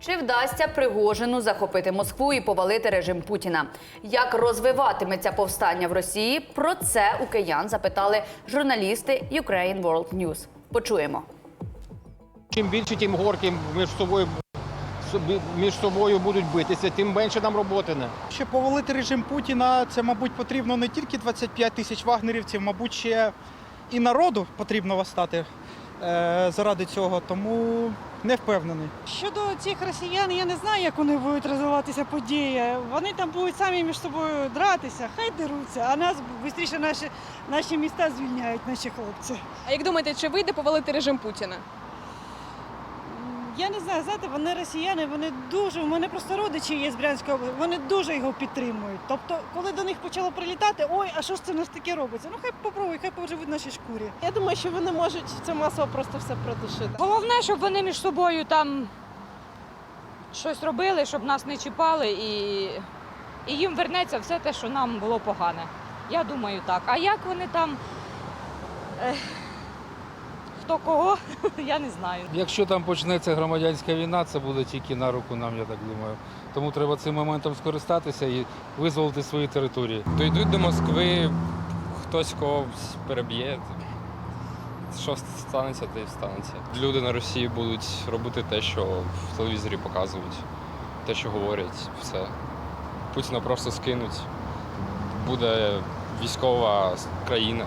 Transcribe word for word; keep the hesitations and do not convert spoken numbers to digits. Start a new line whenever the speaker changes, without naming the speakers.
Чи вдасться Пригожину захопити Москву і повалити режим Путіна? Як розвиватиметься повстання в Росії? Про це у киян запитали журналісти Ukraine World News. Почуємо.
Чим більше, тим горки між собою, між собою будуть битися, тим менше нам роботи.
Щоб повалити режим Путіна, це, мабуть, потрібно не тільки двадцять п'ять тисяч вагнерівців, мабуть, ще і народу потрібно восстати е, заради цього, тому не впевнений.
Щодо цих росіян, я не знаю, як вони будуть розвиватися події. Вони там будуть самі між собою дратися, хай деруться, а нас швидше наші, наші міста звільняють, наші хлопці.
А як думаєте, чи вийде повалити режим Путіна?
Я не знаю, знаєте, вони росіяни, вони дуже, у мене просто родичі є з Брянської області, вони дуже його підтримують. Тобто, коли до них почало прилітати, ой, а що ж це в нас таке робиться? Ну хай попробують, хай поживуть в нашій шкурі.
Я думаю, що вони можуть це масово просто все придушити.
Головне, щоб вони між собою там щось робили, щоб нас не чіпали, і, і їм вернеться все те, що нам було погане. Я думаю так. А як вони там, ех, хто кого, я не знаю.
Якщо там почнеться громадянська війна, це буде тільки на руку нам, я так думаю. Тому треба цим моментом скористатися і визволити свої території.
Дійдуть до Москви, хтось когось переб'є. Що станеться, те й станеться. Люди на Росії будуть робити те, що в телевізорі показують, те, що говорять, все. Путіна просто скинуть. Буде військова країна.